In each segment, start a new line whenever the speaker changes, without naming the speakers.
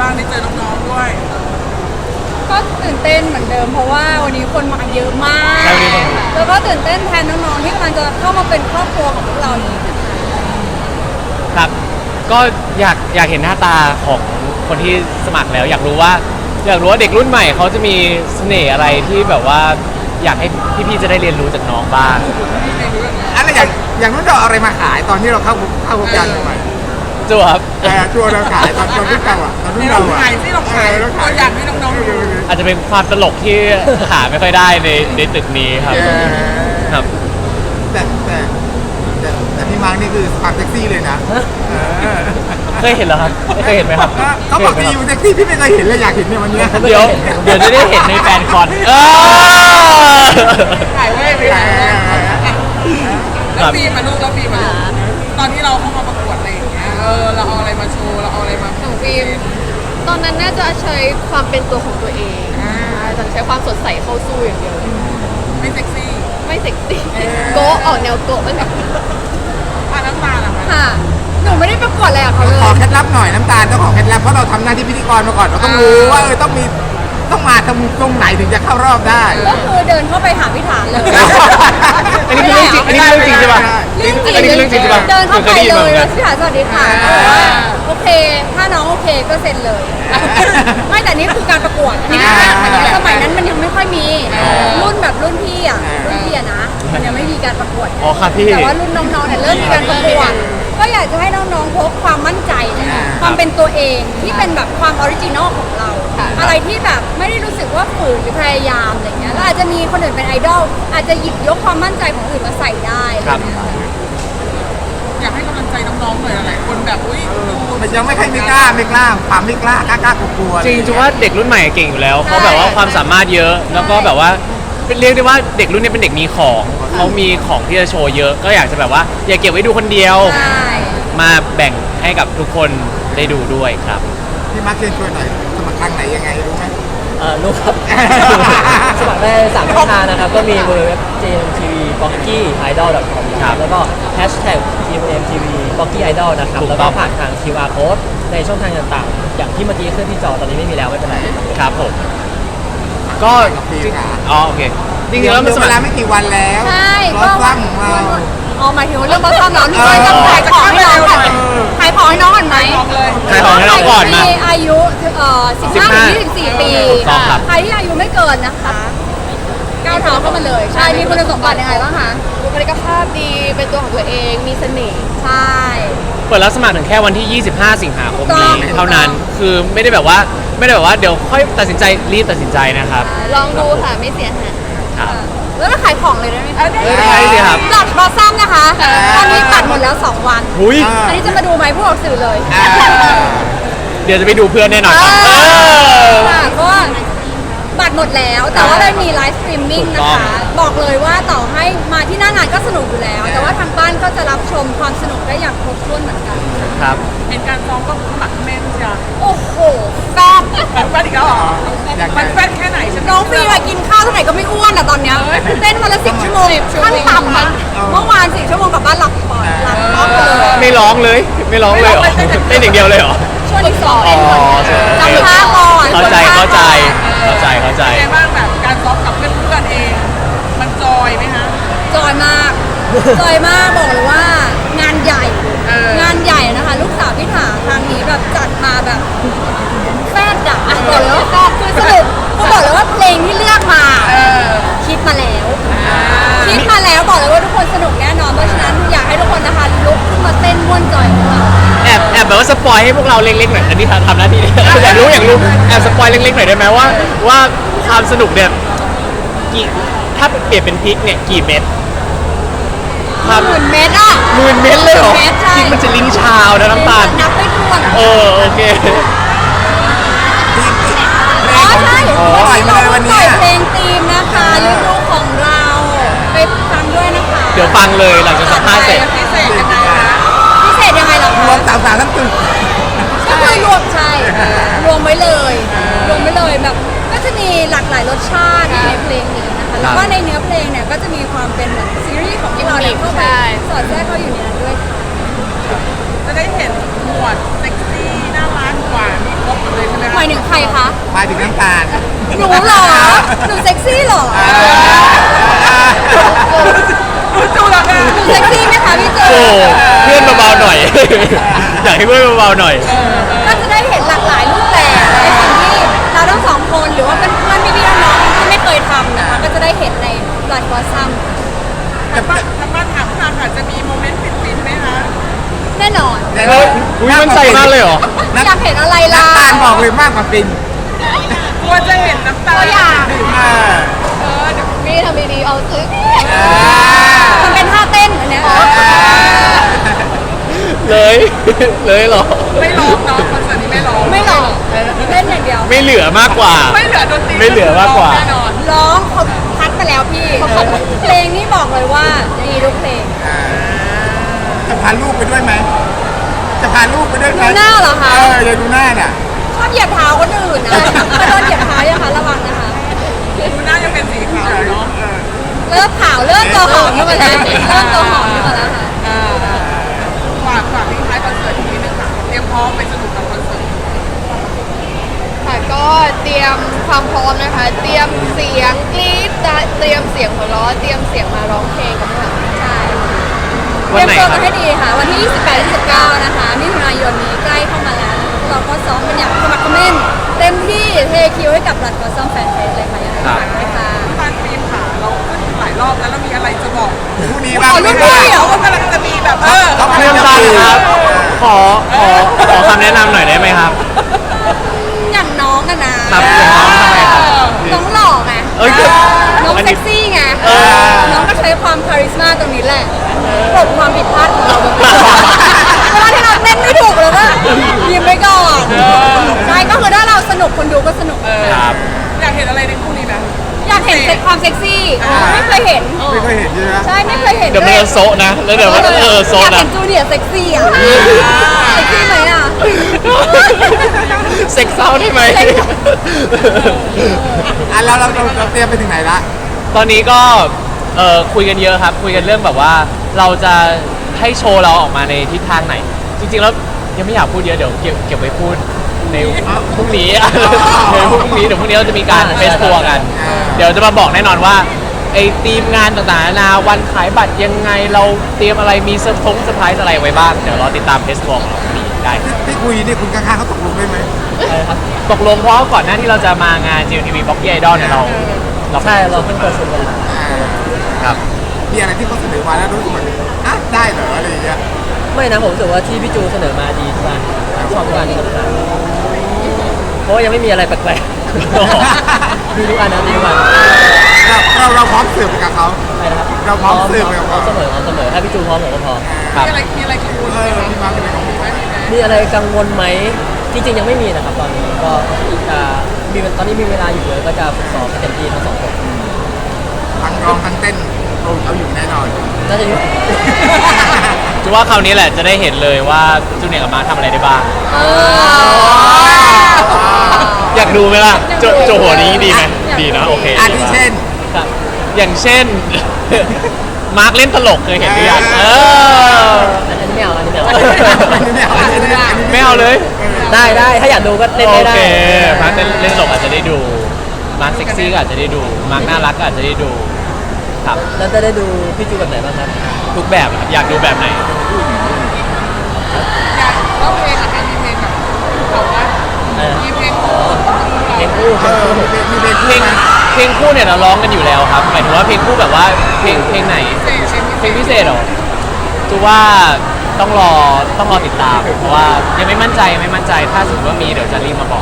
บ้างได้เจอน้องๆด้วย
ก็ตื่นเต้นเหมือนเดิมเพราะว่าวันนี้คนมาเยอะมากแล้วก็ตื่นเต้นแทนน้องๆที่กำลังจะเข้ามาเป็นครอบครัวของพวกเรานี้
ครับก็อยากเห็นหน้าตาของคนที่สมัครแล้วอยากรู้ว่าเด็กรุ่นใหม่เขาจะมีเสน่ห์อะไรที่แบบว่าอยากให้พี่ๆจะได้เรียนรู้จากน้องบ้าง
อะไรอย่างนู้นเราอะไรมาขายตอนที่เราเข้าวงการใหม่
จั่วครับ
จั่วเราขายตอนรุ่นเราอ่ะตอนรุ่นเราอ่ะ
ขายที่เราขายตัวอย่างให้น้องๆดู
อาจจะเป็นความตลกที่หาไม่ค่อยได้ในตึกนี้ครับครับ
แต่พี่มาร์กนี่คือความเซ็กซี่เลยนะ
เคยเห็นเหรอครับเคยเห็นไหมครับ
เขาบอกที่อยู่เซ็กซี่พี่ไม่เคยเห็นเลยอยากเห็นเนี่ยวันนี้
เดี๋ยวจะได้เห็นในแฟนคอน
ถ่ายไว้ไปแล้วฟีมาลูกตอนที่เราเข้ามาประกวดอะไรอย่างเงี้ยเราเอาอะไรมาโชว์เราเอาอะไรมา
ของฟิล์มตอนนั้นน่าจะใช้ความเป็นตัวของตัวเองจะใช้ความสดใสเข้าสู้อย่างเดียว
ไม่เซ็กซี่
โกะออกแนวโกะเป็นแบบ
น้ำตาล
ค่ะหนูไม่ได้ประกวดอะไรกับเขาเลย
ขอเคล็ดลับหน่อยน้ำตาลต้องขอเคล็ดลับเพราะเราทำหน้าที่พิธีกรมาก่อนเราต้องรู้ว่าต้องมาตรงไหนถึงจะเข้ารอบได้
ก็คือเดินเข้าไปหาพิธานเลย
อันนี้คือเรื่องจริงใช่ป่ะอันนี้คือเรื่องจริงใช่ป่ะ
เดินเข้าไปเลยแล้วพิธานสวัสดีค่ะโอเคถ้าน้องโอเคก็เซ็นเลยไม่แต่นี่คือการประกวดนี่สมัยนั้นมันยังไม่ค่อยมีรุ่นแบบรุ่นพี่นะมันยังไม่มีการประกวด
อ๋อครับพี่
แต่ว่ารุ่นน้องๆเนี่ยเริ่มมีการประกวดก็อยากจะให้น้องๆพกความมั่นใจความเป็นตัวเองที่เป็นแบบความออริจินอลของเราอะไรที่แบบไม่ได้รู้สึกว่าฝืนหรือพยายามอะไรเงี้ยแล้วอาจจะมีคนอื่นเป็นไอดอลอาจจะหยิบยกความมั่นใจของอื่นมาใส่ได้
อยากให้กำลังใจน้องๆหน่อยหลายคนแบบ
มันยังไม่ค่อยไม่กล้าความไม่กล้ากลัว
จริงๆว่าเด็กรุ่นใหม่เก่งอยู่แล้วเขาแบบว่าความสามารถเยอะแล้วก็แบบว่าเรียกได้ว่าเด็กรุ่นนี้เป็นเด็กมีของเขามีของที่จะโชว์เยอะก็อยากจะแบบว่าอย่าเก็บไว้ดูคนเดียวมาแบ่งให้กับทุกคนได้ดูด้วยครับ
พี่มาร์คเชิญชวนหน่อยสมัครทางไหนยังไงรู้ไหม
รู้ครับสมัครได้3 ช่องทางนะครับก็มี www.gmtv.bockeyidol.com ครับแล้วก็ #gmtv.bockeyidol นะครับแล้วก็ผ่านทาง QR code ในช่องทางต่างๆอย่างที่เมื่อกี้ขึ้นที่จอตอนนี้ไม่มีแล้วไม่เป็นไร
ครับผมก็โอเค
จริงๆแล้วมันเวลาไม่กี่วันแล้ว
ใช่
ก็ซ้ำ
หมายถึงเรื่องบอสซัมเราด้วยต้องขายของให้น้องก่อนขายของให้น้องก่อนไหม
ขายของให้น้องก่อนนะ
อายุ15-24 ปีใครที่อายุไม่เกินนะคะก้าวเท้าเข้ามาเลยใช่มีคุณสมบัติยังไงบ้างคะ
บุคลิกภาพดีเป็นตัวของตัวเองมีเสน่ห์
ใช่
เปิดรับสมัครถึงแค่วันที่ 25 สิงหาคมนี้เท่านั้นคือไม่ได้แบบว่าเดี๋ยวค่อยตัดสินใจรีบตัดสินใจนะครับ
ลองดูค่ะไม่เสียหาย
แล้วก็ขายของเลยได้ไหม
ได้สิครับ
จัดบอสซัมนะคะตอนนี้ตัดหมดแล้ว2 วันอันนี้จะมาดูไหมพวกเราสื่อเลย
เดี๋ยวจะไปดูเพื่อนแน่นอน
เพราะว่าบัตรหมดแล้วแต่ว่าได้มีไลฟ์สตรีมมิ่งนะคะบอกเลยว่าต่อให้มาที่หน้างานก็สนุกอยู่แล้วแต่ว่าทางบ้านก็จะรับชมความสนุกได้อย่างครบถ้วนเหมือนกัน
ครับ
เห็นการซ้อมก็หมักแม่นจ้ะ
โอ้โหแฟน
อีกแล้วเหรอมันแฟนแค่ไหนฉัน
น้องฟีมากินข้าวเท่าไหร่ก็ไม่อ้วนอ่ะตอนเนี้ยเต้นวันละ10 ชั่วโมงขั้นต่ำอะเมื่อวาน10 ชั่วโมงกลับบ้านหลับเลย
ไม่ร้องเลยเหรอเต้นอย่างเดียวเลยเหรอ
ช่วงที่2จำท่าก่อน
เข้าใจ
ไงบ้างแบบการซ้อมกับเพื่อนเองมันจอยไหมคะ
จอยมากบอกเลยว่างานใหญ่นะคะลูกสาวพี่ถาทางนี้แบบจัดมาแบบแฟดอะบอกเลยว่าคือสรุปก็บอกเลยว่าเพลงที่เลือกมาคิดมาแล้วบอกเลยว่าทุกคนสนุกแน่นอนเพราะฉะนั้นอยากให้ทุกคนนะคะลุกขึ้นมาเต้นม่วนจอยของเรา
แอบแบบว่าสปอยให้พวกเราเล็กๆหน่อยอันนี้ทำหน้าที่อยากรู้แอบสปอยเล็กๆหน่อยได้ไหมว่าความสนุกเนี่ยถ้าเปลี่ยนเป็นพริกเนี่ยกี่เม็ด
10,000 เม็ดอะ
10,000 เม็ดเลยเหรอพริกมันจะลิ้นชาวนะน้ำตาล
นับไม่ถ้วน
โอเค
ใช่
ปล่อยมาเลยวันนี้
เพลงธีมนะคะฤดูของเราไปฟังด้วยนะคะ
เดี๋ยวฟังเลยหลังจากสัมภาษณ์เสร็จ
พิเศษยังไง
เหรอ
รวม3 ทั้งตึก
ก็คือรวมรวมไว้เลยแบบก็จะมีหลากหลายรสชาติในเพลงนี้นะคะแล้วก็ในเนื้อเพลงเนี่ยก็จะมีความเป็นเหมือนซีรีส์ของพวกเราเข้าไปสอดแทรกเข้าอยู่ในนั้นด้วยค่ะ
จะได้เห็นหมวดเซ็กซี่น่ารักกว่ามีครบเลยใช่ไหม
รคะ
มาถึงน้ำตาล
หนูเหรอ หนูเซ็กซี่เหรอ
จูแล้วแม่
หนูเซ็กซี่ไหมคะพี่จู
โอ้เพื่อนเบาๆหน่อย อยากให้เพื่อนเบาๆหน่อย
ก็จะได้เห็นหลากหลายรูปแบบในสิ่งที่เราทั้งสองคนหรือว่าเป็นเพื่อนพี่ๆน้องๆที่ไม่เคยทำนะคะก็จะได้เห็นในบลัดบอสซัม
ทางบ้านถามค่ะจะมีโมเมนต์ฟินๆไหมคะ
แน่นอน
เฮ้ยอุ๊ยมั่นใจมากเลยเหรอ
อยากเห็นอะไรล่ะ
น้ำตาลบอกเลยมากกว่าฟิน
กลัวจะเห็นน้ำตา
ตัวอย่าง
เดี๋ยว
มีทำดีๆเอาซื้อ
มันเป็นท่าเต้นอันเนี้ย
เลย เลยเหรอ
ไม่ร้องเนาะคอนเสิร์ตนี้ไม่ร้อง
ไม่หรอกเล่นอย่างเดียว
ไม่เหลือมากกว่า
ไม่เหลือดนตรี
ไม่เหลือมากกว่า
แน่นอน
ร้องเขาคัดไปแล้วพี่เพลงนี้บอกเลยว่าดีทุกเพลง
จะพาลูกไปด้วยไหมจะพาลูกไปด้วยไหม
ดูหน้าเหรอคะ
อย่าดูหน้าเนี่ย
ชอบเหยียบเท้าคนอื่นนะถ้าโดนเหยียบเท้าอย่าคะระวังนะคะ
ดูหน้ายังเป็นสีขาวเนาะ
เริ่มขาวเริ่มตัวหอมขึ้นมาแล้วเริ่มตัวหอมขึ้นมาแล้วค่ะ
ฝากทิ้งท้ายคอนเสิร์ตอีกนิดนึงค่ะเตรียมพร้อมไปสนุกกับคอนเสิร์ต
ค่ะก็เตรียมความพร้อมนะคะ เตรียมเสียงกรี๊ดเตรียมเสียงหัวเราะเตรียมเสียงมาร้องเพลงกันค่ะ
ใช่
วันไหน
เตรียม
ค
ตั
รั
ว
บ
กันให้ดีค่ะ วันที่ 28-29 นะคะมิถุนายนนี้ใกล้เข้ามาแล้วนะคะเราก็ซ้อมกันอย่างสมัครเขม้นเต็มที่เทคิวให้กับรัฐกอซัมแฟนเฟสเลยค่ะอย่างไรฝากด้วยค่ะ
ที่บ้านฟิล์มค่ะเราขึ้นหลายรอบแล้วเรามีอะไรจะบอก
ผู้นี้
อ๋
บ้าง
อรุ่นพี่เหรอ
เขากำลังจะมีแบบ
เขา
เพื่อนบ้านครับ ขอคำแนะนำหน่อยได้ไหมครับ
อย่างน้องอะนะครับ
อย่างน้องทำไมครับ
น้องหล่อไง
เอ้ย
น้อง
อันนี้
เซ็กซี่ไง
เออ
น้องก็ใช้ความคาริสมาตรงนี้แหละปลดความผิดพลาดของเราไปก่อนเวลาที่เราเต้นไม่ถูกเลยว่ายิ้มไปก่อนใช่ก็คือถ้าเราสนุกคนดูก็สนุก
ครับ
อยากเห็นอะไรในคู่นี้ไหม
อยากเห็นความเซ็กซี่ไม่เคยเห็น
ไม่เคยเห็นใช่ไหม
ใช่ไม่เคยเห็น
เดี๋ยวมันจะโซะนะ แล้วเดี๋ยวมันจะโซะ
อยาก
นะ
เห็นจูเนียร์เซ็กซี่อ่ะเซ็กซี่ไหมอ่ะ
เซ็กเศร้าได้ไหม
เราเตรียมไปถึงไหนละ
ตอนนี้ก็คุยกันเยอะครับ คุยกันเรื่องแบบว่าเราจะให้โชว์เราออกมาในทิศทางไหน จริงๆแล้วยังไม่อยากพูดเยอะเดี๋ยวเก็บไว้พูดในพรุ่งนี้ เดี๋ยวพรุ่งนี้เราจะมีการเฟสทัวร์กัน เดี๋ยวจะมาบอกแน่นอนว่าไอ้ทีมงานต่างๆนานาวันขายบัตรยังไงเราเตรียมอะไรมีเซอร์ไพรส์อะไรไว้บ้างเดี๋ยวรอติดตามเฟสทัวร์ของเราพรุ่งนี้ได้ครับ
ที่คุยนี่คุณข้างๆเขาตกลงได้ไหม
ตกลงเพราะว่าก่อนหน้าที่เราจะมางาน GMTV Boxy Idol เนี่ยเรา
ใช่เราเพิ่งเปิดสูตรกันมา
ครับ
มีอะไรที่เขาเสนอมาแล้วรู้สึกแบบได้เหรออะไรอย่างเงี้ย
ไม่นะผมรู้สึกว่าที่พี่จูเสนอมาดีทุกอันชอบทุกอันที่เขาเสนอเพราะว่ายังไม่มีอะไรแปลกๆ ดีทุกอันนะดีทุกอัน
เราพร้อมเสิร์ฟไปกับเขา
ใช่นะครับ
เราพร้อมเสิร์ฟไปกับ
พร้อ
เขา
มเสมอถ้าพี่จูพร้อมผมก็พร้อม
ครับ
มีอะไรกังวลไหมคะ
พี่มาเป็นอะไรของพี่ไหม
มีอะไรกังวลไหมจริงๆยังไม่มีนะครับตอนนี้ก็ตอนนี้มีเวลาอยู่เลยก็จะฝึกซ้อมให้เต็มที่ทั้งสองคน
ทั้งร้องทั้งเต้นเอาอยู่แน่นอน
น่าจะอยู่
จะว่าคราวนี้แหละจะได้เห็นเลยว่าจูเนียร์กับมาร์คทำอะไรได้บ้าง อยากดูไหมล่ะโจหัวนี้ดีไหมดีนะโอเค
อาทิเช่น
ครับ
อย่างเช่น มาร์คเล่นตลกเคยเห็นหรือยัง
อันนี้ไม่เอาอันนี้ไม่เอา
อันนี้ไม่เอาอันนี้ไม่เอา
ไม่เอาเลย
ได้ถ้าอยากดูก็เล่น
โอ
ได้
เคมาร์คเล่นตลกอาจจะได้ดูมาร์คเซ็กซี่ก็อาจจะได้ดูมาร์คน่ารักก็อาจจะได้ดูครับ
แล้วจะได้ดูพี่จูแบบไหนบ้างครับ
ทุกแบบครับอยากดูแบบไหน
อยากร้องเพลงอะมีเพลงแบบบอกว่ามีเพลงของ
เพลงคู่
มีเพลง
เพลงเพลงคู่เนี่ยเราร้องกันอยู่แล้วครับหมายถึงว่าเพลงคู่แบบว่าเพลงไหน เพลงพิเศษเหรอจูว่าต้องรอติดตามเพราะว่ายังไม่มั่นใจถ้าสมมติว่ามีเดี๋ยวจะรีบมาบอก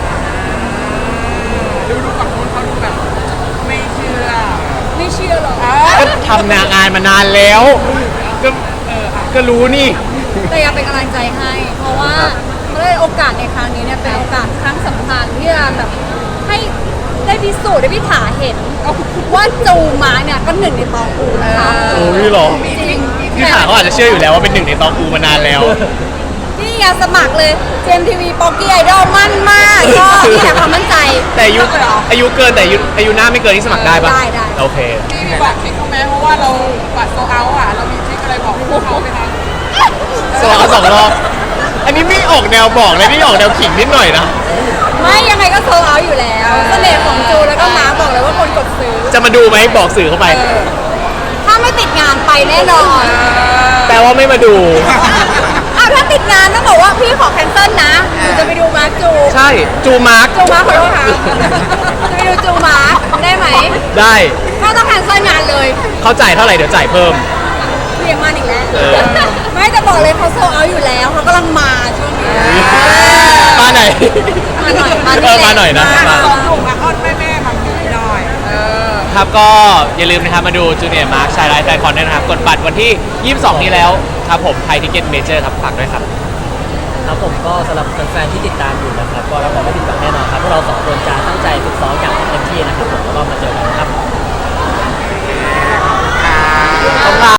ดูฝั่งนู้นเขาดูแบบไม่เชื่อ
ไม่เชื่อหรอก
ก็ทำงานมานานแล้วก็รู้นี่
แต่อยากเป็นกำลังใจให้ เพราะว่าเขาได้โอกาสในครั้งนี้เนี่ยเป็นโอกาสครั้งสำคัญที่จะแบบให้ได้พิสูจน์ได้พิถาเห็นว่าจูมาเนี่ยก็หนึ่งในตองอูนะคะ
โอ้ยหรอ
จริง
พี่ถาเขาอาจจะเชื่ออยู่แล้วว่าเป็นหนึ่งในตองอูมานานแล้ว
นี่ไงสมัครเลยเจมทีวีป๊อกกี้ไอดอลมั่นมากก็นี่แหละความมั่นใจ
แต่อายุเกินแต่อายุหน้าไม่เกินที่สมัครได้ปะ
ได้
โอเค
มีบอกทริคเขาไหมเพราะว่าเราบัตรโซเอาอ่ะเรามีทริคอะไรบอกพวกเขาไหมคะ
สองรอบอันนี้ไม่ออกแนวบอกเลยนี่ออกแนวขิงนิดหน่อยนะ
ไม่ยังไง
จะมาดูไหมบอกสื่อเข้าไป
ถ้าไม่ติดงานไปแน่นอน
แปลว่าไม่มาดู
อ้าวถ้าติดงานต้องบอกว่าพี่ขอแคนเซิลนะหนูจะไปดูมาร์คจู
ใช่จูมาร์ก
จูมาร์คขอโทษค่ะจะไปดูจูมาร์คได้ไหม
ได้
ก็ต้องแคนเซิลงานเลย
เขาจ่ายเท่าไหร่เดี๋ยวจ่ายเพิ่ม
เรียกมาอีกแล้ว
เออ
ไม่จะบอกเลยเขาโซเอาอยู่แล้วเขากำลังมาช่วงนี้
มาไหน
มาหน่อยมา
เออมาหน่อยนะมา
สองหนุ่มมาอ้อนแม่มาผีหน่อย
ครับก็อย่าลืมนะครับมาดูจูเนียร์มาร์คชายไลฟ์แฟนคอนด้วยนะครับกดบัตรวันที่ 22 นี้แล้วครับผมไทยทิเก็ตเมเจอร์ครับฝากด้วยครับ
ครับผมก็สำหรับแฟนๆที่ติดตามอยู่นะครับก็รับรองไม่ผิดหวังแน่นอนครับพวกเราสองคนจะตั้งใจฝึกซ้อมอย่างเต็มที่นะครับผมแล้วก็มาเจอกันครับ
ขอบคุณครับ